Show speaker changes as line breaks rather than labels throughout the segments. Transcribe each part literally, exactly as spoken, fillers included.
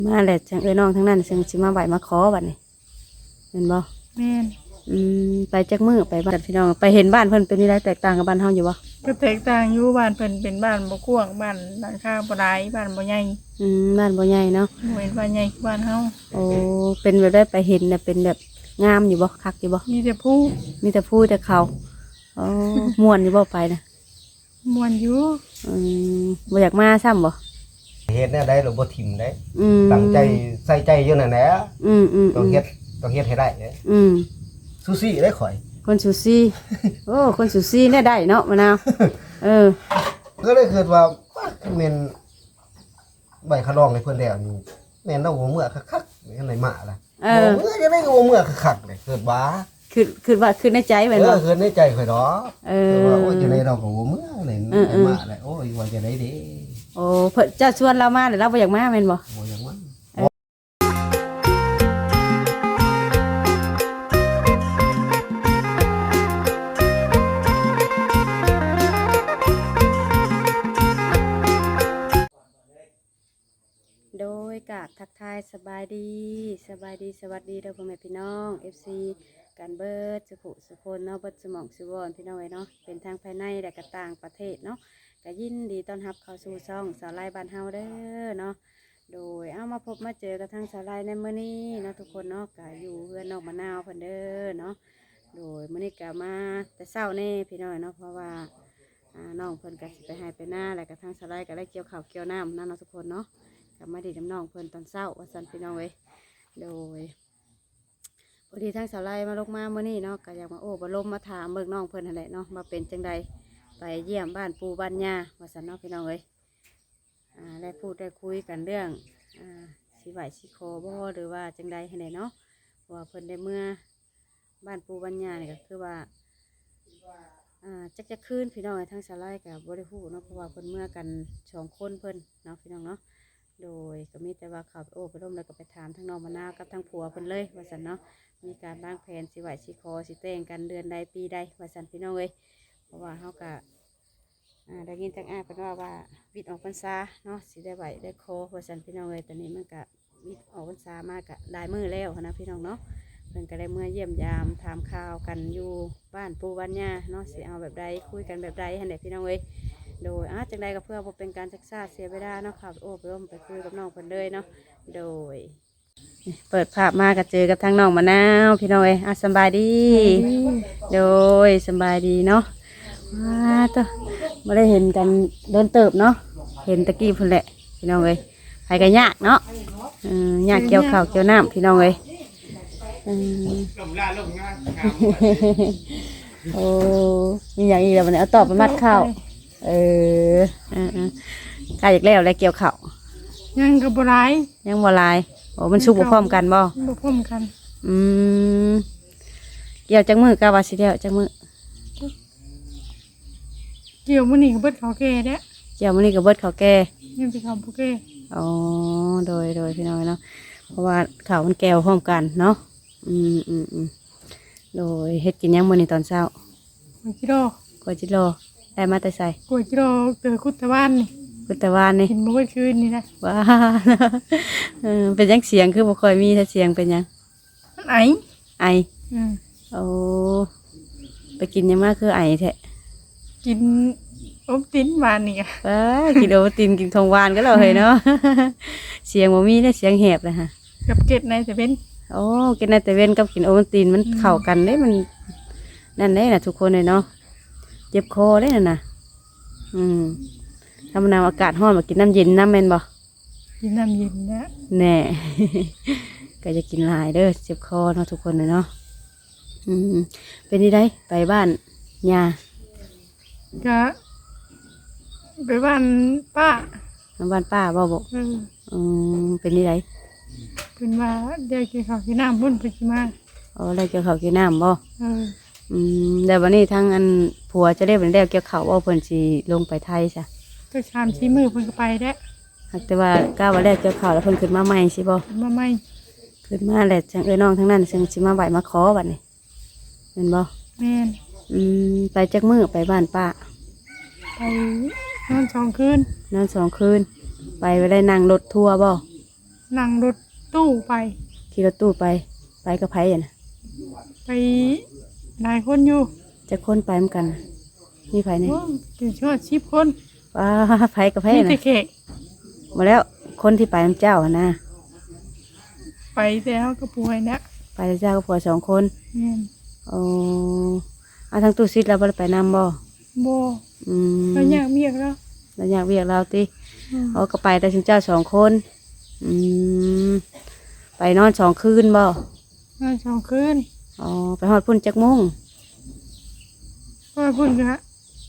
มาแหละจังเอ้ยน้องทั้งนั้นซึ่งสิมาไหวมาขอบัดนี้เห็นบ่
แม่น
อืมไปจักมื้อไปบ้านพี่น้องไปเห็นบ้านเพิ่นเป็นนี่ได้แตกต่างกับบ้านเฮาอยู่บ่
ก็แตกต่างอยู่บ้านเพิ่นเป็นบ้านบ่กว้างบ้านหลังคาบ่หลายบ้านบ่ใหญ่
อืมบ้านบ่ใหญ่เนาะ
บ่เห็นบ้านใหญ่คือบ้านเฮา
โอ้เป็นแบบได้ไปเห็นน่ะเป็นแบบงามอยู่บ่คักอยู่บ่
มีแต่ผู้
มีแต่ผู้แต่เขาอ๋อม่วนอยู่บ่ไปนะ
ม่วนอยู่
อืมบ่อยากมาซ้ำบ่
เฮ็ดแนวใดเราบ่ทิ่มได้
อืม
ตั้งใจใส่ใจอยู่นั่นแหละ
อืมๆ
ต้องเฮ็ดต้องเฮ็ดให้ได้เด้
อืม
ซูซี่ได้ข่อย
คนสุซี่โอ้คนสุซี่เนี่ยได้เนาะมะนาวเออ
ก็เลยคิดว่าแม่นใบขะรองให้เพิ่นแล้วนี่แม่นเอาหัวเมื่อคักๆจังได๋มาล่ะเออเมื่อจะได้หัวเมื่อคักๆเลยคิดว่า
คือคือว่าคือในใจแม่นบ่
เออคือในใจข่อยดอก
เออ
ว่าโอ้ยจังได๋เราก็หัวเมื่อเลยมาแล้วโอ้ยว่าจะได้เด้
โอ้เพิ่นจะชวนเรามาแล้วเราบ่อยากมาแม่นบ่
บ่อยากมา
โดยกะทักทายสบายดีสบายดีสวัสดีเด้อพ่อแม่พี่น้อง เอฟ ซี กันเบิดสุขุสุคนเนาะเบิดสมองสุวรรณพี่น้องเนาะเป็นทางภายในและก็ต่างประเทศเนาะก็ยินดีต้อนรับเข้าสู่ช่องสาวไร่บ้านเฮาเด้อเนาะโดยเอามาพบมาเจอกับทางสาวไร่ในมื้อนี้เนาะทุกคนเนาะก็อยู่เพื่อนนอกมะนาวเพิ่นเด้อเนาะโดยมื้อนี้ก็มาแต่เช้าแน่พี่น้องเนาะเพราะว่าน้องเพิ่นก็สิไปให้ไปหน้าแล้วก็ทางสาวไร่ก็ได้เกี่ยวข้าวเกี่ยวน้ำนั่นเนาะทุกคนเนาะกับมาดีน้ำน้องเพิ่นตอนเช้าว่าสันพี่น้องเว้ยโดยพอดีทั้งสาวไล่มาลงมาเมื่อนี้เนาะก็อยากมาโอ้บรมมาถามเบิกน้องเพิ่นนั่นแหละเนาะมาเป็นจังใดไปเยี่ยมบ้านปูบ้านย่าว่าสันเนาะพี่น้องเว้ยอ่าได้พูดได้คุยกันเรื่องอ่าสีไหวสีคอบ่หรือว่าจังใดให้ไหนเนาะว่าเพิ่นได้เมื่อบ้านปูบ้านย่าเนี่ยก็คือว่าอ่าจักจะคืนพี่น้องทั้งสาวไล่กับบริพูเนาะเพราะว่าเพิ่นเมื่อกันสองคนเพิ่นเนาะพี่น้องเนาะโดยก็มีแต่ว่าขับโอ้ไปร่มแล้วก็ไปถามทั้งน้องมะนาวกับทั้งผัวเพิ่นเลยว่าสันเนาะมีการบ้างแผนสิไหวสิคอสิแต่งกันเดือนใดปีใดว่าสันพี่น้องเลยเพราะว่าเขาก็ได้ยินจากอ้ายเพิ่นว่าว่าวิทย์ออกพรรษาเนาะสิได้ไหวได้คอว่าสันพี่น้องเลยตอนนี้มันก็วิทย์ออกพรรษามากกะได้มือแล้วนะพี่น้องเนาะเพิ่นก็ได้เมื่อเยี่ยมยามถามข่าวกันอยู่บ้านปูบ้านย่าเนาะสิเอาแบบใดคุยกันแบบใดให้เด็กพี่น้องเลยโดยอาจังใดก็เพื่อเป็นการศึกษาเสียเวลาเนาะครับโอ้ไปร่วมไปคุยกับน้องเพิ่นเลยเนาะโดยเปิดภาพมาก็เจอกับทางน้องมะนาวพี่น้องเอ้ยอ่ะสบายดีโดยสบายดีเนาะว้าตัวไม่ได้เห็นกันโดนเติบเนาะเห็นตะกี้พุ่นแหละพี่น้องเอ้ยใครกันยากเนาะยากเกี่ยวข้าวเกี่ยวน้ำพี่น้องเอ้ยโอ้มีอย่างอีกแล้ววันนี้เอาตอบไปมัดข้าวเออใกล้อีกแล้วแล้วเกี่ยวข้าว
ยังกับบัวลาย
ยังบัวลายโอ้มันชุกบ่พร้อมกันบ่
บ่พร้อมกัน
อืมเกี่ยวจังมือกาวาสิเดียวจังมือ
เกี่ยวมื้อนี้กับเบิดเขาแก่เด้
เกี่ยวมื้อนี้กับเบิดเขาแก่
ยังไปเขาผู้แก่
อ๋อโดยโดยพี่น้อยเนาะเพราะว่าข้าวมันแก้วพร้อมกันเนาะอืมอืมอืมโดยเฮ็ดกินยังมื้อนี้ตอนเช้าก
ล้วยจิโร่
กล้วยจิโร่ได้มาแต่ใส่
กล้วยจิโร่เจอคุดตะวันนี่
คุดตะวันนี่
กินเมื่อคืนนี่นะ
ว้าเออเป็นยังเสียงคือบ่ค่อยมีถ้าเสียงเป็นยัง
ไอ
ไอโอ้ไปกินยังมากคือไอแท้
กินโอตินหวานนี่อ่ะ
ว้ากินโอตินกินทองหวานก็เราเลยเนาะเสียงบ่มีนะเสียงแหบเลยฮะ
กับเกล็ดในแต่เป็น
โอ้กินในแต่เว้นกับกินโอตินมันเข้ากันได้มันนั่นได้น่ะทุกคนเลยเนาะเจ็บคอได้น่ะนะอืมทำน้ำอากาศร้อนมากินน้ำเย็นน้ำแม่นบ่
กินน้ำเย็นนะ
แน่ก็จะกินหลายเด้อเจ็บคอเนาะทุกคนเลยเนาะอืมเป็นที่ได้ไปบ้านยา
ก็ไปบ้านป้า
บ้านป้าบ่บอกอืมเป็นที่ได้
เป็นว่าเดี๋ยวกินข้าวกินน้ำบุญไปกินมา
อ๋อได้เกี่ยวข้าวกินน้ำบ่อืมแต่วันนี้ทั้งอันผัวจะได้เป็นได้เกี่ยวข้าวว่าเพิ่นสิลงไปไทยซะ
ก็ชามชี้มือเพิ่นก็ไปได้
แต่ว่าก้าววันแรกเกี่ยวข้าวแล้วเพิ่นขึ้นมาใหม่สิบ่
มาใหม่
ขึ้นมาแหละจังเอ้ยน้องทั้งนั้นซึ่งสิมาไหวมาขอบัดนี้เห็นบ่
แม่น
อืมไปจักมื้อไปบ้านป้า
ไปนอนสองคืน
นอนสองคืนไปไปได้นั่งรถทัวร์บ่
นนั่งรถตู้ไป
ขี่รถตู้ไปไปกับไผอ่ะนะ
ไปหลายคนอยู่
จะคนไปเหมือนกันน่ะมีไผเนี่ย
โอ้ถึงชอดสิบคน
ว้าไผกับไผ
มี
นะ
แต่แขก
มาแล้วคนที่ไปน้ำเจ้าหั่นนะ
ไปแต่เฮาก็ป่วยนะ
ไปน้ำเจ้าก็ผัวสองคน
แม่น
โอ้เอาทางตู้ซิดเราบ่ได้ไปนำบ่
บ่
อืม
ก็อยากเบียกแล้ว
เราอยากเวียกเราติ
อืม
เอาก็ไปแต่ถึงเจ้าสองคน อืมไปนอนสองคืนบ่
นอนสองคืน
อ๋อไปฮอดพุ่นจักมุ่ง
ว่าพุ่นกะ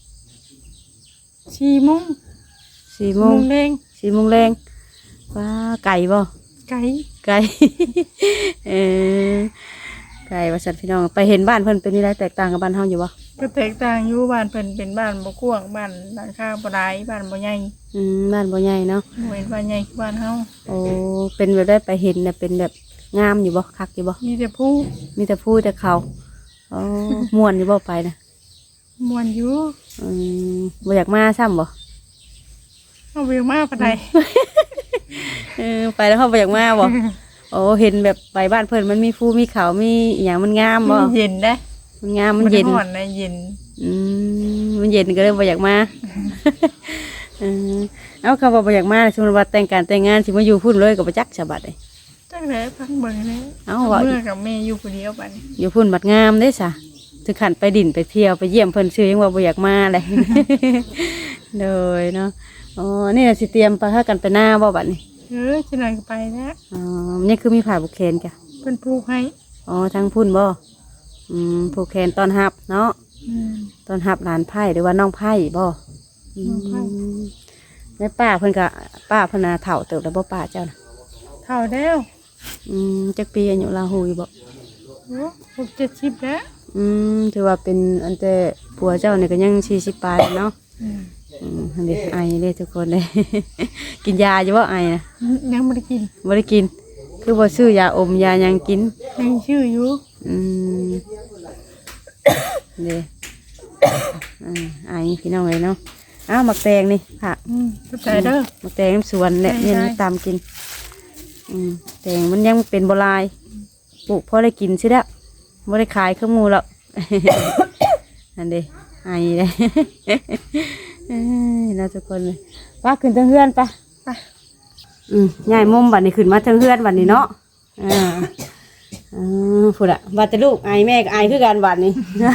สี่โมง
สี่โม
โม
ง
งแดง
สี่โมงแรงว้าไก่บ่
ไก่
ไก่ เออไก่ว่าสัตว์พี่น้องไปเห็นบ้านเพิ่นเป็นนี่ไรแตกต่างกับบ้านเฮาอยู่บ่
ก็แตกต่างอยู่บ้านเพิ่นเป็นบ้านบ่กว้างบ้านหลังคาบ่หลายบ้านบ่ใหญ่
อืมบ้านบ่ใหญ่เนาะ
บ่เห็นบ้านใหญ่คือบ้านเฮา
โอ้เป็นแบบได้ไปเห็นน่ะเป็นแบบงามอยู่บ่คักอยู่บ่
มีแต่ผู้
มีแต่ผู้แต่เขาอ๋อ ม่วนอยู่บ่ไปนะ
ม่วนอยู่
อืมบ่อยากมาซ้ำบ่
เอาเวียงมาปานใด
เออไปแล้วเขาบ่อยากมาบ่โอ้เห็นแบบไปบ้านเพิ่นมันมีภูมีเขามีอหย่างมันงามบ่
มันเย็นเด้
มันงามมันเย็น
ร้อนนะเย็น
อืมมันเย็นก็เลยบ่อยากมา เออเอาคำว่าบ่อยากมาสมมติว่าแต่งการแต่งงานสิมาอยู่พุ่นเลยก็บ่จักฉบัดเลย
จังได๋พังเบิ่งเลย
เอ้าว่า
เมื่อกับแม่อยู่ผู้เดียวบัดนี้
อยู่พุ่นบัดงามเด้ซะถึงขั้นไปดินไปเที่ยวไปเยี่ยมเพิ่นซื้อยังว่าบ่อยากมาเลย โดยเนาะอ๋อนี่น่ะสิเตรียมไปหากันไปหน้าบ่บัดนี้
เออจังได๋ก็ไปแล้ว
อ๋อมันนี่คือมีผ้าบุกแขนจ้ะ
เพิ่นผูกให้
อ๋อทางพุ่นบ่อืมผูกแขนตอนรับเนาะ
อืม
ตอนรับหลานไผ่หรือว่าน้องไผ่บ่
น้องไผ่
มแม่ป้าเพิ่นก็ป้าเพิ่นน่ะเฒ่าเติบแล้วบ่ป้าเจ้าน่ะ
เท่าแล้ว
อืมจักปีอายุลาหูอยู่บ่
โอ้หกเจ็ดสิบแล้ว
อืมถือว่าเป็นอันแต่ผัวเจ้านี่ก็ยังสี่สิบปลายเนาะ
อืม
อืมอันนี้ไอเลยทุกคนเลย กินยาอยู่บ่ไอนะ
ยังบ่ได้กิน
บ่ได้กิน คือบ่ซื้อยาอมยาหยังกิน
ยังชื่ออยู่
อืมเด้อืมไอพี่น้องเลยเนาะอ้าวหมักแตงนี่ผัก
อืมเข้าใจเด้อ
หมักแตงน้ำสวนเนี่ย
ใช่
เนี่ย
ใช่
ตามกิน อืมแตงมันยังเป็นโบราณปลูกพอได้กินสิแล้วบ่ได้ขายเครื่องมูแล้ว นั่นเด้ไอเลย เอ้ยเราทุกคนเลยว่าขึ้นทางเฮือนปะ
ไป
อืมยายมุมบัดนี้ขึ้นมาทางเฮือนบัดนี้เนาะอ่าอ่าพูดอะบัดแต่ลูกไอแม่ก็ไอคือกันบัดนี้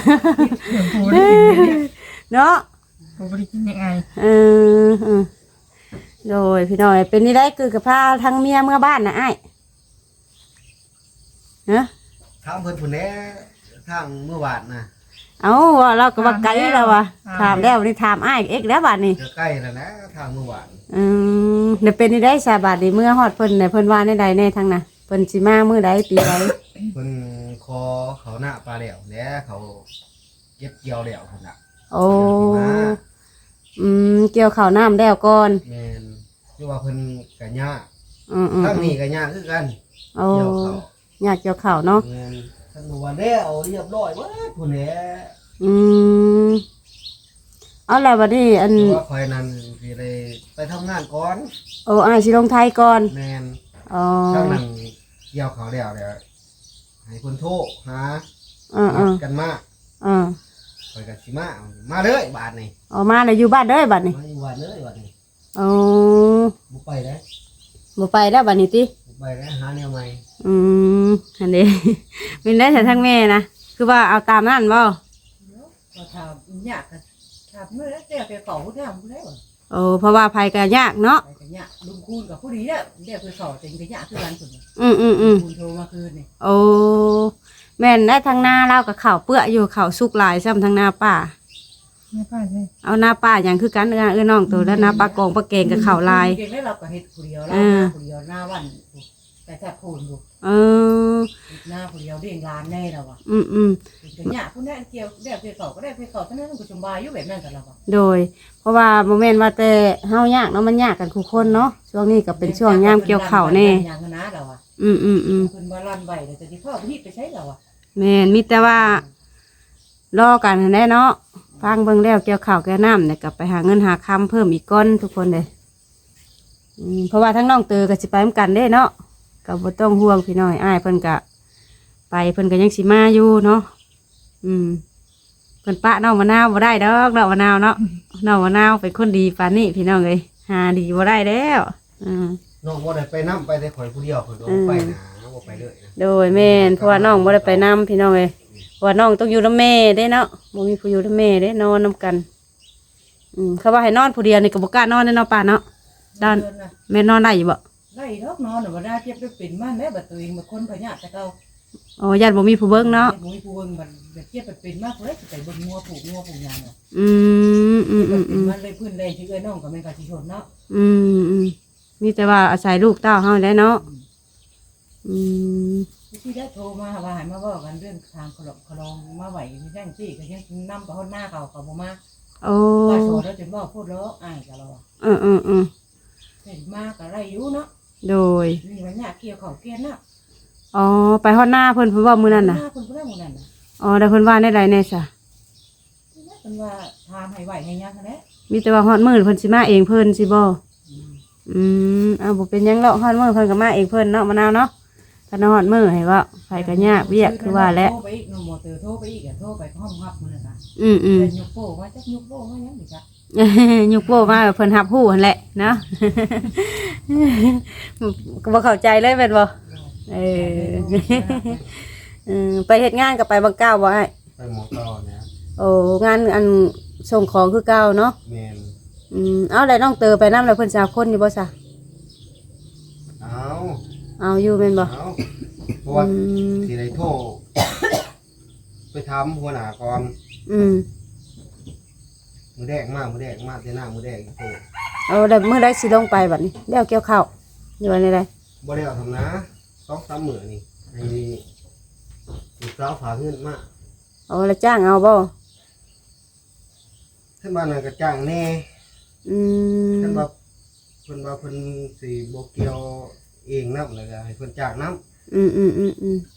เนาะ
บ่ได้กินยังไง
เออเออโดยพี่น้อยเป็นนี่ได้คือกับพาทางเมียเมื่อบ้านนะไอ้ายเนาะ
ถามเพิ่นพุ่นแหน่ทางเมื่อวานน่ะ
เอาว่าเราก็ว่าไกลแล้ววะถามแล้วนี่ถามไอ้ายเอ็กแล้วบัดนี้
ก็ใกล้แล้วนะทางเมื่อวาน
อืมเดี๋ยวเป็นนี่ได้สาบาทดีเมื่อฮอดเพิ่นในเพิ่นว่าในใดในทางน่ะเพิ่นสิมามื้อใดปีใด
เพิ่นคอเขาหน้าปลาแล้วแหล้วเขาเก็บเกี่ยวแล้วพุ่นน่ะ
โอ้อืมเกี่ยวข้าวน้ำแล้วก่อน
แม่นคือว่าเพิ่นก็ยาก
อืมอืม
ทางนี้ก็ยากคือกัน
โอ้
เกี่ยวเขา
อยากเกี่ยวข้าวเนาะ
แม่นทางเมื่อวานแล้วเรียบร้อยเบิดพุ่นแหละ
อืมเอาแล้วบัดนี้อัน
คือว่าคอยนั้นสิได้ไปทำงานก่อน
โอ้อ้ายสิลงไทยก่อน
แม่น
อ๋อ
ทางนั้นเกี่ยวเขาแล้วเดี๋ยวให้เพิ่นโทรหา
อ่า
นั
อ่า
ดกันมา
อ่า
คอยก็สิมามาเลยบาทนี่
ออกมาแล้วอยู่บ้านเด้อบัดนี้
มาอยู่บ้านเลยบาทนี่
อ๋อ
บ่ไปเด้อ
บ่ไปแล้วบัดนี้ติ
บ่ไปเด้อหาแนวใหม่
อืมอันนี้ มินได้แต่ทั้งแม่นะคือว่าเอาตามนั่นบ่
ก็ทำยากกันทำเมื่อแล้วแต่ไปเก่าผู้ทำผู้ได้หมด
โอ้เพราะว่าภัยก็ยากเนาะ
ไปกันยากลุงคูณกับผู้ดีเนี่ยเดี๋ยวไปสอบจริงกันยากคือกันสุด
อืมอืมอืม
คูณโทรมาคืนนี่
โอ้แม่นได้ทางหน้าเรากับข่าวเปื้ออยู่ข่าวสุกหลายซ้ำทางหน้าป่า
ไม่ป้าเลย
เอาหน้าป่าอย่างคือกันเอื้อเอื้อน้องตัวแล้วหน้าปลากองปลาเกงกับข่าวลาย
เก่งได้เราก็เห็ดผู้เดียวเรา
อ่า
ผู้เดียวหน้าวันแต่แทบพูนดู
เออ
หน้าผู้เดียวเรียงร้านแน่เราอ่ะ
อืมอืม
กันยากผู้นั้นเกี่ยวเดี๋ยวไปเก่าก็ได้ไปเก่าเท่านั้นก็สบายอยู่แบบนั้นกันเราอ่ะ
โดย เพราะว่าโมเมนต์ว่าแต่เฮายากเนาะมันยากกันทุกคนเนาะช่วงนี้ก็เป็นช่วงยามเกี่ยวข้าวแน่
อย่างนั้นนะเราอ่ะ
อืมอืมอืม
คุณมาลั่นใบเดี๋ยวจะที่พ่อพี่ไปใช้เราอ่ะ
แม่นมีแต่ว่ารอกันแน่เนาะฟังเบิ่งแล้วเกี่ยวข้าวแก่น้ำเนี่ยกลับไปหาเงินหาคำเพิ่มอีกก้อนทุกคนเลยอืมเพราะว่าทั้งน้องเตอก็สิไปเหมือนกันเด้เนาะก็บ่ต้องห่วงพี่น้อยอ้ายเพิ่นก็ไปเพิ่นก็ยังสิมาอยู่เนาะอืมเพิ่นปะน้องมะนาวบ่ได้ดอกน้องมะนาวเนาะน้องมะนาวเป็นคนดีปานนี้พี่น้องเอ้ยหาดีบ่ได้แล้วอืม
น้องบ่ได้ไปนํไปแต่ข่อยผู้เดียวข่อยก็บ่ไปนะบ่ไปเลยนะ
โดยแม่นเพราะว่าน้องบ่ได้ไปนํพี่น้องเอ้ยเพราะว่าน้องต้องอยู่นำแม่เด้เนาะบ่มีผู้อยู่นำแม่เด้นอนนํกันอืมเขาว่าให้นอนผู้เดียวนี่ก็บ่กล้านอนแน่เนาะป้าเนาะด้าน
เดือนน่ะ
แม่นอนได้อยู่บ่
ไล่ดอกนอนน่ะบ่ได้เจ็บได้เป็นมาแล้วบัดตัวเองมาคนพญาแต่เก่า
อ๋อญาติบ่มีผู้เบิ่งเนาะ
เฮ็ดบ่มีผู้เบิ่งบัดบัดเจ็บไปเป็นมากเลยสิไปเบิ่งงัวผูกงัวผูกยางอ่ะ
อืมอืมอืมอืม
มันเลยพื้นเลยที่เอ้ยน้องก็แม่นก็สิชนเนาะ
อืมอืมมีแต่ว่าอาศัยลูกเต้าเฮาได้เนาะอืม
ที่ได้โทรมาว่าให้มาเว้ากันเรื่องทางขลอกขลองมาไหวมีแจ้งที่ก็ยังนำไปฮอดหน้าเขาก็บ่มา
โอ้
ว่าโทรแล้วจนบ่พูดแล้วอ้ายก็เราอะ
อืมอืมอืม
เห็นมาก็ไล่อยู่เนาะ
โดย
นี่ว่าหญ้าเกี่ยวข้าวเกี่ยนน่ะ
อ๋อไปฮอดหน้าเพิ่นเพิ่นว่ามื้อนั้นน่ะ
หาเพิ่นบ่ได้หมู่นั้นน่ะ
อ๋อแต่เพิ่นว่าได้ใดแน่ซะ
เพิ่นว่าทามให้ไหวให้ยังนั่นแหละ
มีแต่ว่าฮอดมื้อเพิ่นสิมาเองเพิ่นสิบ่อืมอ้าวบ่เป็นหยังหรอกฮอดมื้อเพิ่นก็มาเองเพิ่นเนาะมะนาวเนาะถ้าฮอดมื้อให้ว่าไผก็ยากเวียกคือว่าแหละ
โทรไปอีกน้องหมอเตอโทรไปอีกอะโทรไปห้องฮับมื้อนั้นน่ะ
อืมอืม
เป็นยกโป้ว่าจักยกโป้ว่าหยังดิจ๊ะ
ยุกโป้มาเพิ่นรับรู้หั่นแหละเนาะ ก็บ่เข้าใจเลยแม่นบ่เออ เออไปเฮ็ดงานก็ไปบางเก้าบ่อ้าย
ไปหมอต่อนะ
โอ้งานอันส่งของคือเก่าเนาะ
แม่น
อืมเอาแล้วน้องเตอไปนำแล้วเพิ่นสาวคนอยู่บ่ซะ
เอา
เอาอยู่แม่นบ่
เอาเพราะว่า
อืม
สิได้โทร ไปถามหัวหน้าก่อน
อืม
มือแดกมามือแดกมาแต่หน้ามือแดกอีกโทร
เอาแล้วมื้อใดสิลงไปบัดนี้แล้วเกี่ยวข้าวอยู่ว่าไดใด
บ่ได้เอาทำนะสองสามมื้อนี่ให้ลูกสาวฝากเงินมา
เอาแล้วจ้างเอาบ่
ท่านบ้านนั้นก็จ้างแน่
อืม
ท่านว่าเพิ่นว่าเพิ่นสิบ่เกี่ยวเองนำแล้วก็ให้เพิ่นจ้างนำ
อืมอืมอืมอืม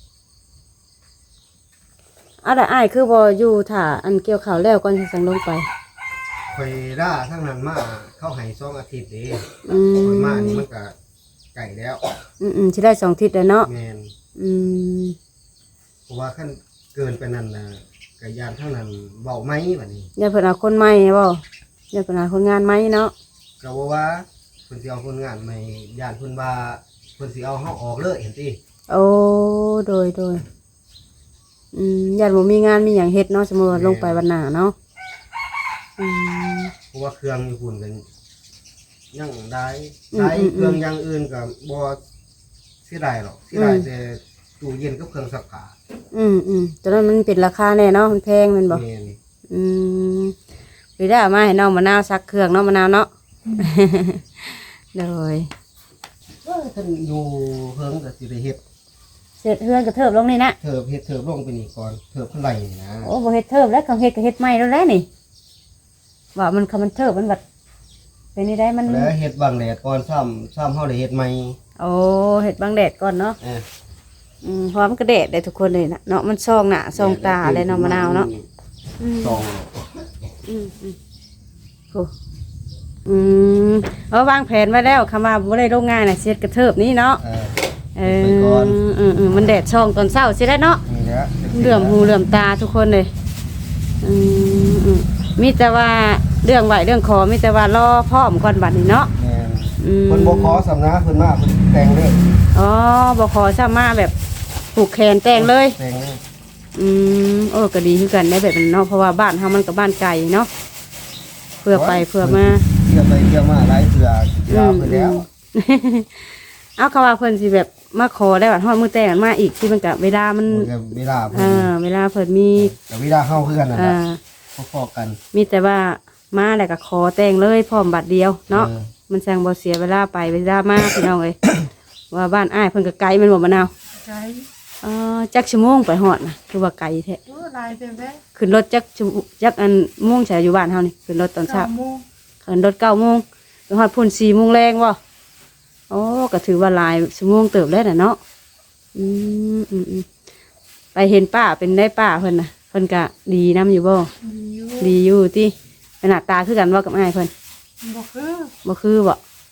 เอาล่ะอ้ายคือบ่อยู่ถ้าอันเกี่ยวข้าวแล้วก่อนสิสั่งลงไป
ข่อยด่าทั้งนั้นมาเข้าให้สองอาทิตย์เด้
อืม
ข่อยมานี่มันก็ไก่แล้ว
อืมอืมสิได้สองทิศแล้วเนาะ
แม่น
อืม
เพราะว่าคันเกินไปนั้นน่ะก็ยานทั้งนั้นเว้าไหมบัดนี้
อย่าเพิ่นเอาคนใหม่บ่อย่าเพิ่นเอาคนงานใหม่เนาะ
ก็บ่ว่าเพิ่นสิเอาคนงานใหม่ย่านเพิ่นว่าเพิ่นสิเอาเฮาออกเลยเห็นติ
โอ้โดยโดยอืมญาติบ่มีงานมีหยังเฮ็ดเนาะสมมุติว่าลงไปวันหน้าเนาะอืม
เพราะว่าเครื่องอยู่พุ่นกันยังได้
อืม
ใช้
อืม
เครื่องอย่างอื่นก็บ่เสียดายหรอกเสียดายแต่ตู้เย็นกับเครื่องซักผ้า
อืมอืมตอนนั้นมันเป็นราคาแน่เนาะมันแพงแม่นบ่
แม่น
อืมไปได้เอามาให้น้องมะนาวซักเครื่องเนาะมะนาวเนาะ โดย
เอ้ยท่านอยู่เพิ่งก็สิได้เฮ็ด
เสร็จเฮือนก็เทิบลงนี่นะ
เถิบเฮ็ดเถิบลงไปนี่ก่อนเถิบเท่าไหร่นี่นะ
โอ้บ่เฮ็ดเทิบแล้วเขาเฮ็ดก็เฮ็ดใหม่แล้วแหละนี่ว่ามันคำมันเทิบมันบัดเป็นนี่ได้มัน
แล้วเฮ็ดบางแดดก่อนซ้ำซ้ำเฮาได้เฮ็ดใหม่
โอ้เฮ็ดบางแดดก่อนเนาะ
เออ
อืมพร้อมนก็แดดได้ทุกคนเลยนะเนาะมันซองหน้าซองตาเลยเนาะมะนาวเนาะอืม
สอง
อืมอืมโอ้อืมเอาวางแผนไว้แล้วคำว่าบ่ได้โรงงานน่ะเสร็จกระเทิบนี้เนาะ
เออ
เอ
ไป
อ
ก่อน
อืมอืมมันแดดช่องตอนเช้าสิได้เนาะ
นี่แหละ
เหลื่อมหูเหลื่อมตาทุกคนเลยอืมอืมมีแต่ว่าเรื่องไหวเรื่องขอมีแต่ว่ารอพ่อมก่อนบัดนี้เนาะ
แม่น
อืม
เพิ่นบ่ขอสำนักเพิ่นมาเพิ่นแต่งเลย
อ๋อบ่ขอสามารถแบบผูกแขนแต่งเลย
แต่งเลย
อืมโอ้ก็ดีคือกันได้แบบนั้นเนาะเพราะว่าบ้านเฮามันก็บ้านไกลเนาะเพื่อไปเพื่อมา
เที่ยวไปเที่ยวมาหลายเทื่อลาเพิ่นแล้ว
เอาเขาว่าเพิ่นสิแบบมาขอได้บัดฮอดมื้อแต่งกันมาอีกที่มันก็เวลามัน
มันก็เวลาเพิ่
เอน อเวลาเพิ่นมี
แต่เวลาเฮาคือกันนั่นแห
อ่า
ละพอๆกัน
มีแต่ว่ามาแล้วก็ขอแต่งเลยพร้อมบัดเดียวเนาะ
ออ
มันแซงบ่เสียเวลาไปเวลามาพี่น้องเอ้ย ว่าบ้านอ้ายเพิ่นก็ไกลแม่นบ่มะนาว
ใช่
เอ่อจักชั่วโมงไปฮอดน่ะคือว่าไกลแท้
โอ้ลายเต็มแล้ว
ขึ้นรถจักชั่วโมงจักอันโมงใช่อยู่บ้านเฮานี่ขึ้นรถตอนเช้า
เก้าโมง
ขึ้นรถเก้าโมงไปฮอดพุ่นสี่โมงแรงบ่โอ้ก็ถือว่าหลายชั่วโมงเติบแล้วน่ะเนาะอืมอืมอืมไปเห็นป้าเป็นได้ป้าเพิ่นน่ะเพิ่นก็ดีนํอยู่บ่
ดีอยู่
ดีอยู่ติหน้าตาคือกันบ่กับอ้ายเพิ่น
บ่คือ
บ่คือบ่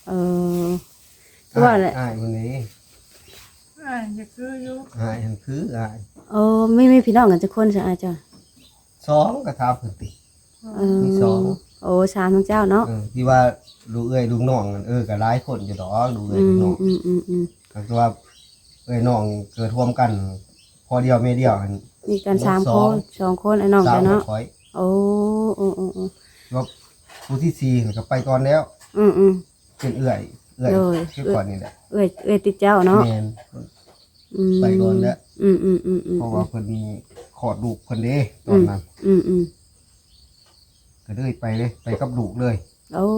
เออคือว่าแหละ
อ้ายมันนี้
อ่าจะคืออยู่
อ้ายหันคืออ้าย
เออไม่มีพี่น้องกันจักคนซะอาจ้ะ
สองก็ถามเพิ่นติ
เออ
มีสอง
โอ้สามทั้งเจ้าเนาะ
เออที่ว่าลูกเอ้ยลูกน้องนั่นเออก็หลายคนอยู่ดอกลูกเอ้ย
อื
ลูก
ม
น้อง
อืมอืมอืม
ก็คือว่าเอ้ยน้องเกิดร่วมกัน พอเดียวแม่เดียวหั่น
มีกันสาม
ส
ค
อง
นสองคนไอ้น้อง
สา
จ้ะ
ม
เนาะ
ข่อย
โอ้โอ้โอ้โอ้
ว่าผู้ที่สี่นี่ก็ไปก่อนแล้ว
อืมอืม
เป็นเอื้อยเอื้อย
เลย
คือก่อนนี่แหละ
เอ้ยเอ้ยติดเจ้าเนาะ
แม่น
อืม
ไปก่อนแล้ว
อืมอืมอืมอืม
เพราะว่าเพิ่นขอดลูกเพิ่นเด้ตอนนั้น
อืมอืม
ก็เลยไปเลยไปกับลูกเลย
โอ้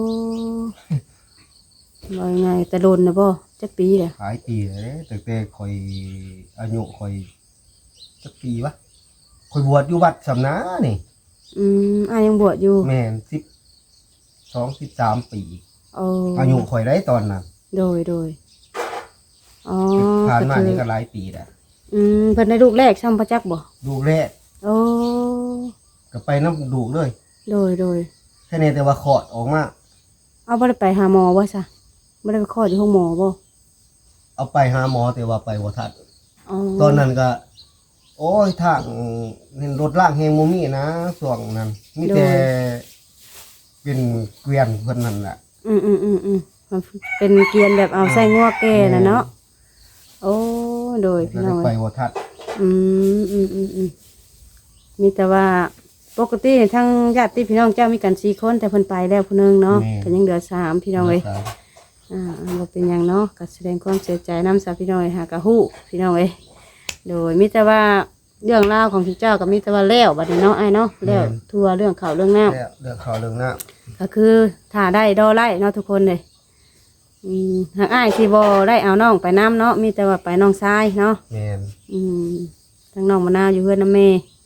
บ่ยังไงแต่โดนนะบ่จักปีแหละ
หลายปีแล้วเด้ตั้งแต่ข่อยอายุข่อยจักปีวะข่อยบวชอยู่วัดสำนานี่
อืมอ้ายยังบวชอยู่
แม่นสิบสองสิบสามปี
โอ้
อายุข่อยได้ตอนนั้น
โดยโดยอ๋อ
ผ่านมา
ก็คือ
นี่ก็หลายปีแล้ว
อืมเพิ่นได้ลูกแรกซ้ำพระจักบ่
ลูกแรก
โอ้
ก็ไปน้ำลูกเลย
โดยโดย
แค่นี้แต่ว่าขอดออกมา
เอาบ่ได้ไปหาหมอบ่ซะบ่ได้ไปคลอดอยู่ห้องหมอบ่
เอาไปหาหมอแต่ว่าไปบ่ทัน
อ๋อ
ตอนนั้นก็ โอ้ยทางเห็นรถล่างเฮงบ่มีนะช่วงนั้นมีแต่เป็นเกวียนเพิ่นนั่นแหละ
อืมอืมอืมอืมมันเป็นเกรียนแบบเอาใส่งัวแก่น่ะเนาะโอ้โดย
ก็
พี่
เล
น้อย ง
ไป
เอ้ย
บ่ทัน
อืมอืมอืมอืมมีแต่ว่าปกติทั้งญาติพี่น้องเจ้ามีกันสี่คนแต่เพิ่นไปแล้วผู้หนึงเนาะก็ยังเหลือสามพี่น้องเอ้ยอ่าบ่เป็นหยังเนาะก็แสดงความเสียใจนำสาพี่น้องเอ้ยหากะฮู้พี่น้องเอ้ยโดยมีแต่ว่าเรื่องราวของทุกเจ้าก็มีแต่ว่าแล้วบัดนี้เนาะอ้ายเนาะแล้วทั่วเรื่องข่าวเรื่องน้ำ
แล้วเรื่องข่าวเรื่องน้ำ
ก็คือถ้าได้ดอไล่เนาะทุกคนเลยอืมหากอ้ายที่บอได้เอาน้องไปน้ำเนาะมีแต่ว่าไปน้องทรายเนาะ
แม่น
อืมทั้งน้องมะนาวอยู่เพื่อนน้ำเม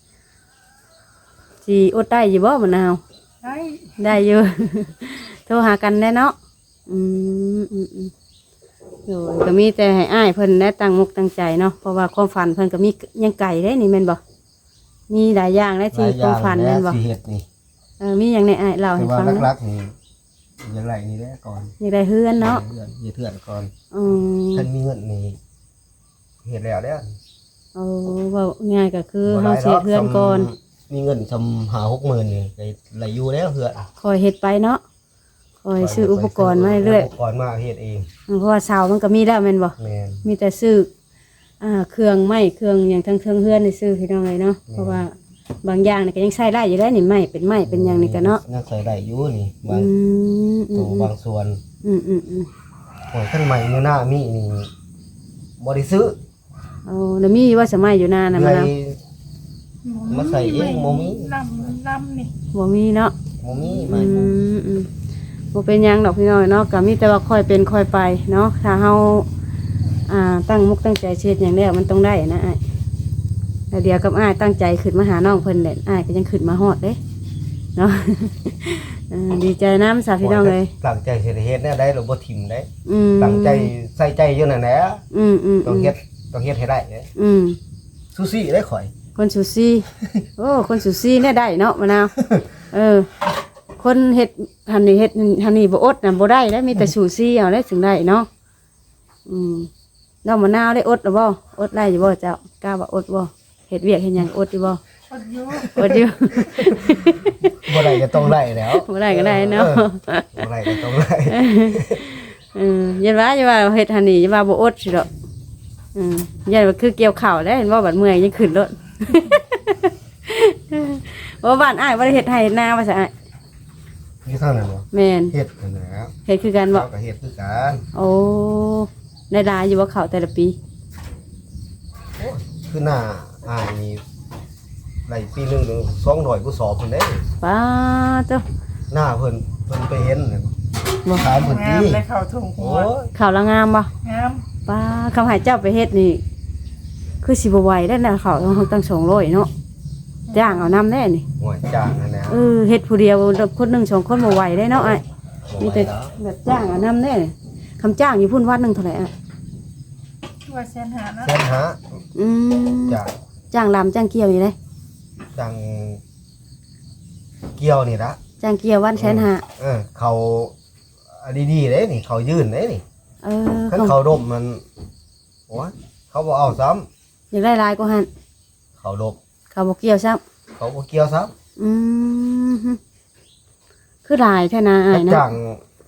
สีอดได้อยู่บ่มะนาว
ได้
ได้อยู่ โทรหากันได้เนาะอืมอืมอืมโดยก็มีแต่ให้อ้ายเพิ่นได้ตั้งมุกตั้งใจเนาะเพราะว่าความฝันเพิ่นก็มียังไก่ได้นี่แม่นบ่มีหลายอย่างได้
ห
ที่
ลายอ
ความ
ย่าง
ฝัน
แล้
แม่
วน
บ่
สิเฮ็ดนี่
เออมีอย่างในอ้ายเล่า
แต่
ให้
ว่า
ฟังเนาะ
ลักๆนี่อย่างไรนี่แหละก่อน
อยากได้เฮือนเนาะ
เพื่อนอย่าเถื่อนก่อน
อืม
ท่านมีเงินนี่เฮ็ดแล้วเด้อ
เอาเว่าง่ายก็คือ
บ่
เฮา
หลาย
เสียเพื่อนก่อน
ซำมีเงินซำหาหกหมื่นนี่ก็ไหลอยู่แล้วเพื่อน
คอยเฮ็ดไปเนาะคอยซื้ออุปกรณ์มาเรื่อย
อุปกรณ์มาเฮ็ดเอง
ๆเพราะว่าเสามันก็มีแล้วแม่นบ่
แม่น
มีแต่ซื้ออ่าเครื่องไม้เครื่องหยังทั้งเครื่องเฮือนนี่ซื้อพี่น้องเลยเนาะเพราะว่าบางอย่างนี่ก็ยังใช้ได้อยู่ได้นี่ไม้เป็นไม้เป็นหยังนี่ก็เนาะ
ยังใส่ได้อยู่นี่บา
อื
ง
มอื
ตัว
ม
บางส่วน
อืมอืมอืม
โอ้ยท่านใหม่อยู่หน้ามีนี่บ่ได้ซื้อ
เอาแล้วมีว่าสมัยอยู่นานน่ะ
เล
มาย แล้ว
มาใส่เองบ่มี
ลำลำนี่
บ่มีเนาะ
บ่มี
อื
ใหม่
มอืมบ่เป็นหยังดอกพี่น้อยเนาะก็มีแต่ว่าค่อยเป็นค่อยไปเนาะถ้าเฮาอ่าตั้งมุกตั้งใจเช็ดอย่างแล้วมันต้องได้นะอ้ายแล้วเดียวกับอ้ายตั้งใจขึ้นมาหาน้องเพิ่นแหละอ้ายก็ยังขึ้นมาฮอดเด้เนาะ เออดีใจนำสาพี่น้องเลย
ตั้งใจสิได้เฮ็ดแนวใดเราบ่ทิ่มได้
อืม
ตั้งใจใส่ใจอยู่นั่นแหละ
อืมอืม
ต้องเฮ็ดต้องเฮ็ดให้ได้เด้
อืม
ซูซี่ได้ข่อย
คนสุซี่ โอ้คนสุซี่เนี่ยได้เนาะมะนาว เออ คนเฮ็ดหันนี่เฮ็ดหันนี่บ่อดน่ะบ่ได้แล้วมีแต่สุซี่เอาได้ถึงได้เนาะอืมแล้วมะนาวได้อดหรือบ่อดได้อยู่บ่เจ้ากล้าว่าอดบ่เฮ็ดเวียกเฮ็ดหยังอดอยู่บ่
อดอยู่
อดอยู่
บ่ได้ก็ต้องได้แล้ว
บ่ได้ก็ได้เนาะ
ออบ่ได้ก็ต้องได้
เออยันว่าอย่าว่าเฮ็ดหันนี่อย่าว่าบ่อดสิดอกอืมยันว่าคือเกี่ยวข้าวได้เห็นบ่บัดเมื่อยยังขึ้นรถ ว่าบ้านอ้ายบ่ได้เฮ็ดให้เฮ็ดนาว่าซะอ้าย
นี่เท่านั้นบ่
แม่น
เฮ็ดนั่นแหละครับ
เฮ็ดคือกันบ่
เราก็เฮ็ดคือกัน
โอ้ได้หลายอยู่บ่ข้าวแต่ละปี
คือหน้าอ้ายนี่ได้ปีหนึงถึงสองร้อยกว่าสอบเพิ่นเด้
ป้าเจ้า
หน้าเพิ่นเพิ่นไปเห็นน่ะ
บ่
ถามเพิ่น
งาม
นี่
ได้เข้าถุงหั
โอ้
วย
ข้าวละงามบ่
งาม
ป้าคำให้เจ้าไปเฮ็ดนี่ คือสิบ่ไหวได้นะข้าวต้องตั้งสองร้อยเนาะจ้างเอานำแน่นี่
ห่วยจ้างนั่นแหละ
เออเฮ็ดผู้เดียวคนหนึงสองคนบ่ไหวได้เนาะอ้าย
บ่
มี
ไหว
แต่
แล้ว
แบบจ้างเอานำแน่นี่คำจ้างอยู่พุ่นวันหนึงเท่าไหร่อ่ะ
ว่าแสนหานะ
แสนหา
อืม
จ้าง
จ้างลำจ้างเกี่ยวนี่เลย
จ้างเกี่ยวนี่ละ
จ้างเกี่ยววันแสนห้า
เออเขาอันดีๆเด้นี่เขายื่นเด้นี่
เออ
คัน
เขา
เขาดมมันโอ้ยเขาบ่เอาซ้ำ
อยากได้ลายก็หัน
เขาดม
เขาบ่เกี่ยวซ้ำ
เขาบ่เกี่ยวซ้ำ
อืมฮึคือลายแท้นะอ้าย
จั
นะ
ง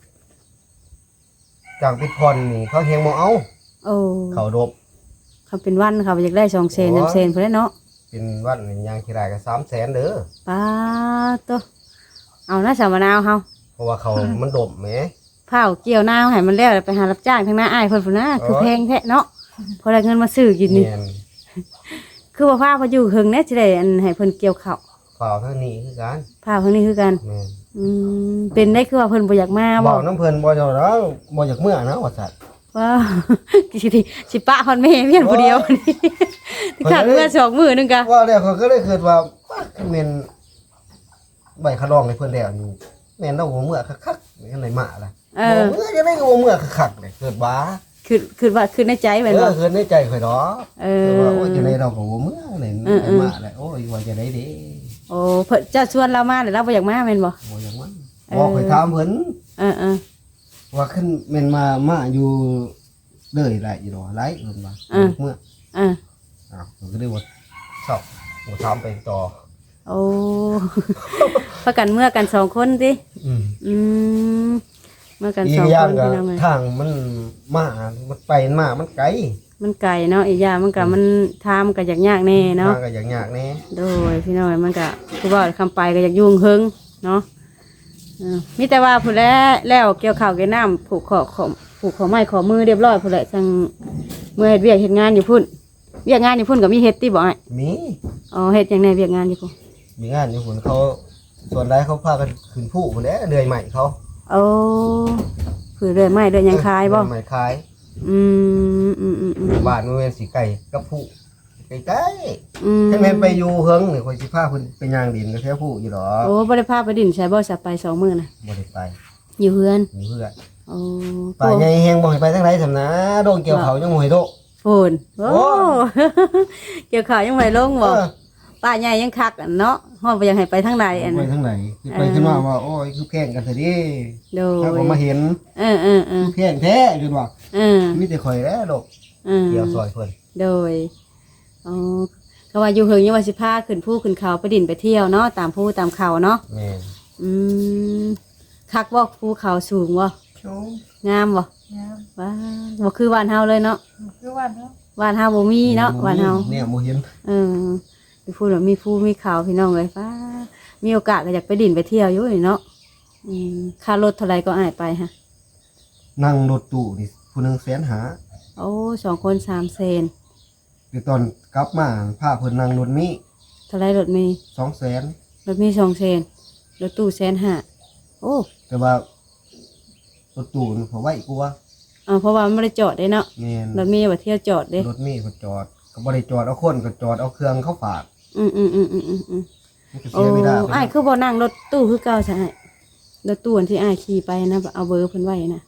จังปิดพรนี่เขาเฮงบ่เอา
โอ้
เขาดม
เขาเป็นวันเขาอยากได้สองเซน
โอ้ย
สามเซนพุ่นแหละเนาะ
เป็นวันนี่ยางขี้ได้ก็สามแสนเด้อ
ป้าตัวเอานะสาวมะนาวเฮา
เพราะว่าเขามันดมแหม
เผาเกี่ยวนาวให้มันแล้วไปหารับจ้างทางหน้าอ้ายเพิ่นพุ่นนะคือแพงแท้เนาะพอได้เงินมาซื้อกินนี่
แม่น
คือว่าพาพออยู่หึงแน่สิได้อันให้เพิ่นเกี่ยวข้าว
เปล่าเท่านี้คือกัน
พาเพิ่นนี่คือกัน
แม่น
อืมเป็นได้คือว่าเพิ่นบ่อยากมา
บ
บ่
อกน้ำเพิ่นบ่เจ้าแล้วบ่อยากเมื่อนะว่าซั่น
ว้าว สิสิสิปะฮอดแม่เพียนผู้เดียวนี่ขาดเมื่อสองมื้อนึงกะ
ว่าแล้วเขาก็เลยคิดว่าว่าคือแม่นใบขะรองให้เพิ่นแล้วนี่แม่นเราบ่เมื่อคักๆนี่อันไหนมาล่ะ
เอ
บ่
อ
เมื่อจะได้ก็บ่เมื่อคักๆเลยเกิดว่า
คือคือว่าคือในใจ
เอ
แม่นบ่
อเกิดในใจข่อยดอก
เอ
เอ
อ
ว่าโอ้ยจะได้เราก็บ่เมื่อนี่
เออเออ
มาแล้วโอ้ยว่าจะได้เด้
โอ้เพิ่นจะชวนเรามาแต่เราบ่อยากมาแม่นบ่
บ่อย่างนั้น
เออ
บอกข่อยถามเพิ่น
เออเออ
ว่าขึ้นแม่นมามาอยู่เลยหลายอยู่ดอกหลายเพิ่นว่าเมื่อ
เออ
อ้าวผมก็ได้ว่าชอบบ่ถามไปต่อ
โอ้ ประกันเมื่อกันสองคนติ
อืม
อืมเมื่อกัน
อี
ส
ก
อง
อย่า
ค
ง
น
ก็
พี่น้องเอ้ย
ทางมันมามันไปมามันไกล
มันไกลเนาะอีกอย่างมันก็มันทามก็อยากยากแน่เนาะ
ทางก็อย่างยากแน่
โดยพี่น้อยมันก็คือว่าคำไปก็อยากยุ่งเฮิงเนาะเออมีแต่ว่าผู้แล้วแล้วเกี่ยวข้าวเกี่ยวน้ำผูกขอขอผูกขอไม้ขอมือเรียบร้อยผู้แหละจังเมื่อเฮ็ดเวียกเฮ็ดงานอยู่พุ่นเวียกงานอยู่พุ่นก็มีเฮ็ดติบ่ไอ้
มี
อ๋อเฮ็ดจังไดเวียกงานอยู่พุ่น
มีงานอยู่คนเขาส่วนใดเขาพากันขึ้นผู้คนแหล้วเดือยใหม่เขา
โอ้คือเรื่อยไม้เรื่อยหยังคายบ่
เดือยใหม่คาย
อืมอืมอืมอืม
บ้านมันเป็นสีไก่กับผู้ใกล้
อืม
ๆถ้าแม่นไปอยู่เฮิงนี่คอยสิพาเพิ่นไปย่างดินก็แค่ผู้อยู่ดอก
โอ้บ่ได้พาไปดินใช้บ่สับไปสองมื้อน่ะ
บ่ได้ไป
อยู่เฮือน
อยู่เพื่อน
โอ้
ป่าใหญ่แฮงบ่ให้ไปทางไหนสำนะโดนเกี่ยวเขายังบ่ให้โด
โฟนโอ้
โอ้
เกี่ยวข้าวยังไม่ลงบ่
เออ
ป้าใหญ่ยังคักอันเนาะฮอดบ่อยากให้ไปทางใดอัน
ไป
นั้น
ทางไหนคือไปขึ้นมาว่าโอ้ยคือแพงกันเถอะดิ
โดย
ถ้าผมมาเห็น
เออเออเออ
แพงแท้จนว่า
เออ
มีแต่ข่อยแล้วดอก
เออ
เกี่ยวซอยเพิ่น
โดยอ๋อก็ว่าอยู่เฮิงยังว่าสิพาขึ้นภูขึ้นเขาไปดินไปเที่ยวเนาะตามภูตามเขาเนาะ
แม่น
อืมคักบ่ภูเขาสูงบ่
โชว์
งามบ่
งาม
ว้าบ่คือบ้านเฮาเลยเนาะ
คือวันเนาะ
บ้านเฮาบ่มีเนาะบ้านเฮา
เนี่ยบ่เห็น
เออมีภูแบบมีภูมีเขาพี่น้องเลยฟ้ามีโอกาสก็อยากไปดินไปเที่ยวอยู่นี่เนาะอืมค่ารถเท่าไหร่ก็อ้ายไปฮะ
นั่งรถตู้นี่ผู้หนึงแสนหา
โอ้สองคนสามเซน
เดี๋ยวตอนกลับมาพาเพิ่นนั่งรถมี
เท่าไรรถมี
สองแสน
รถมีสองเซนรถตู้แสนห้าโอ้
แต่ว่ารถตู้นี่เขาไว้กลัว
เอาเพราะว่ามันไม่ได้จอดได้เนาะ
แม่น
รถมีว่าเที่ยวจอดเด้
รถมีเขาจอดก็บ่ได้จอดเอาคนก็จอดเอาเครื่องเขาฝาก
อืมอืมอืมอืมอืมอืม
มันก็
โอ้
เสียเวลาไป
อ้ายคือบ่นั่งรถตู้คือเก่าใช่ไหมรถตู้อันที่อ้ายขี่ไปนะเอาเบอร์เพิ่นไว้นะ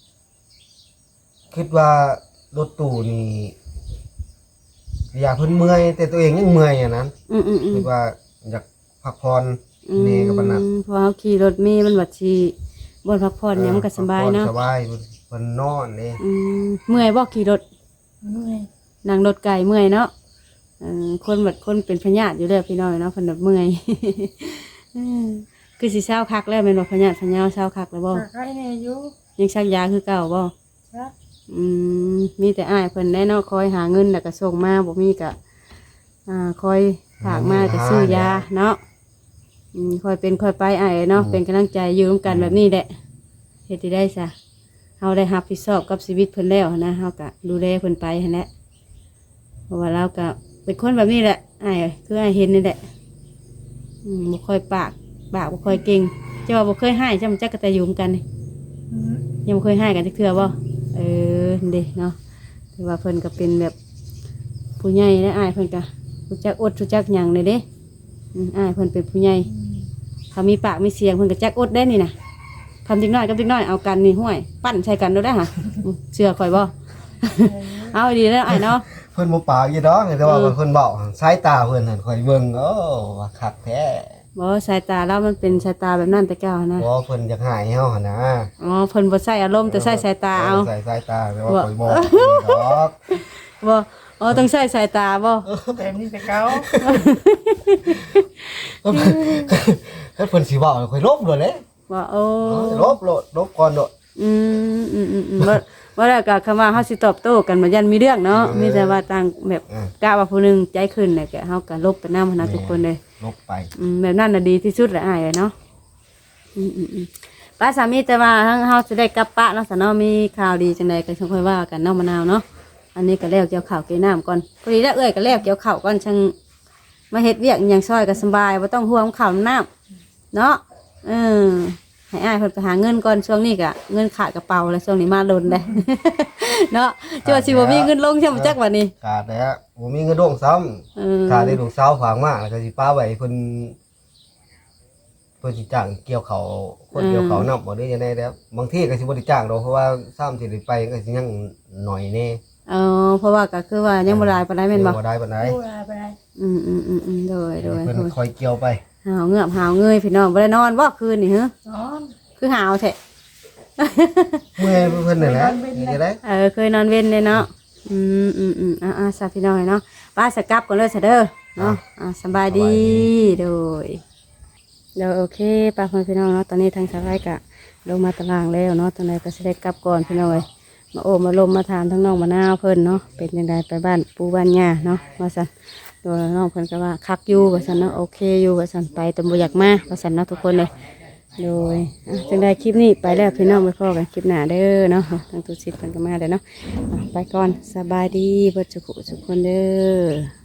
คิดว่ารถตู้นี่อยากเพิ่นเมื่อยแต่ตัวเองยังเมื่อยอ่ะนั้น
อืมอืมอืม
คิดว่าอยากพักผ่อน
อืม
นี่ก็ปานนั้น
เพอเขาขี่รถมีมันบัดชีบนพักผ่อนเนี่ยมันก็สบายเนาะ
สบายเพิ่นนอนนี่
อืมเมื่อยบ่ขี่รถ
เมื่อย
นั่งรถไกลเมื่อยเนาะเออคนบัดคนเป็นพญาติอยู่แล้วพี่น้อยเนาะเพิ่นแบบเมื่อย เออคือสิเช้าคักแล้วแม่นบ่พญาติพญาเช้าคักแล้วบ่
ก็ใครเนี่ยอยู่
ยังชักยาคือเก่าบ่
จ้ะ
อืมมีแต่อ้ายเพิ่นได้เนาะคอยหาเงินแล้วก็ส่งมาบ่มีก็อ่าคอยฝากมาก็ซื้อยาเนาะอืมคอยเป็นคอยไปอ้ายเนาะเป็นกำลังใจอยู่ร่วมกันแบบนี้แหละเฮ็ดที่ได้ซะเฮาได้รับผิดชอบกับชีวิตเพิ่นแล้วนะเฮาก็ดูแลเพิ่นไปหั่นแหละเพราะว่าเราก็เป็นคนแบบนี้แหละอ้ายคืออ้ายเห็นนี่แหละอืมบ่ค่อยปากปากบ่ค่อยเก่งจะว่าบ่เคยให้จำจักกะตะยุมกันนี่
อืม
ยังบ่เคยให้กันจักเทื่อบ่เออเด้เนาะถือว่าเพิ่นก็เป็นแบบผู้ใหญ่และอ้ายเพิ่นก็รู้จักอดรู้จักหยังเลยเด้อืมอ้ายเพิ่นเป็นผู้ใหญ่เขามีปากมีเสียงเพิ่นก็จักอดได้นี่น่ะคำติ๊กน้อยกับติ๊กน้อยเอากันนี่ห้วยปั้นใส่กันได้ห่ะอืมเชื่อข่อยบ่ เอาดีแล้วอ้ายเนาะ
เพิ่นบ่ปากอยู่ดอกแต่ว่า
อืม
เพิ่นเว้าสายตาเพิ่นหั่นข่อยเบิ่งโอ้ว่าคักแท้
บ่สายตาเรามันเป็นสายตาแบบนั้นแต่เก่านะ
บ่เพิ่นอยากหายเฮาหั่นนะ
อ๋อเพิ่นบ่ใส่อารมณ์แต่ใส่สายตาเอา
ใส่สายตาแต่ว่า
ว่า
ข่อยบอกดอก
บ่อ๋อต้องใส่สายตาบ่
แบบนี้แต่เก่า
ถ้าเพิ่นสิเว้าข่อยลบโดดเลย
บ่โอ้
ลบโลดลบก่อนโดด
อืมอืมอืมอืมบ่บ่แล้วก็คำว่าเฮาสิตอบโต้กันบ่ยันมีเรื่องเนาะมีแต่ว่าต่างแบบ
อ่ะ
กล้าว่าผู้หนึงใจขึ้นน่ะก็เฮาก็ลบไปนำนะทุกคนเลย
ลบไป
อืมแบบนั้นน่ะดีที่สุดแหละอ้ายเนาะอืมอืมอืมป้าสามีแต่ว่าทั้งเฮาสิได้กลับปะเนาะซะเนาะมีข่าวดีจังไดก็ค่อยว่ากันเนาะมะนาวเนาะอันนี้ก็แล้วเกี่ยวข้าวเกี่ยวน้ำก่อนพอดีแล้วเอ้ยก็แล้วเกี่ยวข้าวก่อนจังมาเฮ็ดเวียกอหย่างซอยก็สบายบ่ต้องห่วงข้าวน้ำเนาะเออให้อ้ายเพิ่นไปหาเงินก่อนช่วงนี้ก็เงินขาดกระเป๋าแล้วช่วงนี้มาลนเลย เนาะจังว่าสิบ่มีเงินลงใช่บ่จักวันนี้
ขาดแล้วบ่มีเงินดวงซ้ำ
เออ
ขาดได้ลูกสาวฝากมาแล้วก็สิป้าไว้เพิ่นเพิ่นสิจ้างเกี่ยวเขาวคนเกี่ยวเขาวนำบ่ได้จังได๋แล้วบางทีก็สิบ่ได้จ้างดอกเพราะว่าซ้ำสิได้ไปก็สิยังหน่อยแน่
เออเพราะว่าก็คือว่ายังบ่หลายปานใดแม่นบ่
ยังบ่ได้ปานใด
ดูแลไปได้
อืมอืมอืมอืมโดยโดย
เพิ่น
โดย
คอยเกี่ยวไป
หาวเงือบหาวเงยพี่น้องบ่ได้นอนบ่คืนนี่ฮะ
นอน
คือหาวแท้
เมื่อยเพิ่นนั่นแหละจะได้
เออเคยนอนเว้นเลยเนาะอืมอืมอืมอ่าอ่าซาพี่น้องเนาะป้าสกลับก่อนเลยซะเด้อเนาะอ่าสบายดีโดยเดี๋ยวโอเคป้าพ่อพี่น้องเนาะตอนนี้ทางสาวไร่กะลงมาตารางแล้วเนาะตอนนี้ก็สิได้กลับก่อนพี่น้องเอ้ยมาโอ้มาลมมาถามทั้งน้องมะนาวเพิ่นเนาะเป็นจังไดไปบ้านปู่บ้านย่าเนาะว่าซั่นโดยน้องเพิ่นก็ว่าคักอยู่ว่าซั่นเนาะโอเคอยู่ว่าซั่นไปแต่บ่อยากมาว่าซั่นเนาะทุกคนเลย โดยอ่ะจังได้คลิปนี้ไปแล้วพี่น้องไปพอกันคลิปหน้าเด้อเนาะทางตุสิทธิ์เพิ่นก็มาเด้อเนาะอ่ะไปก่อนสบายดีเบิดสุขสุขคนเด้อ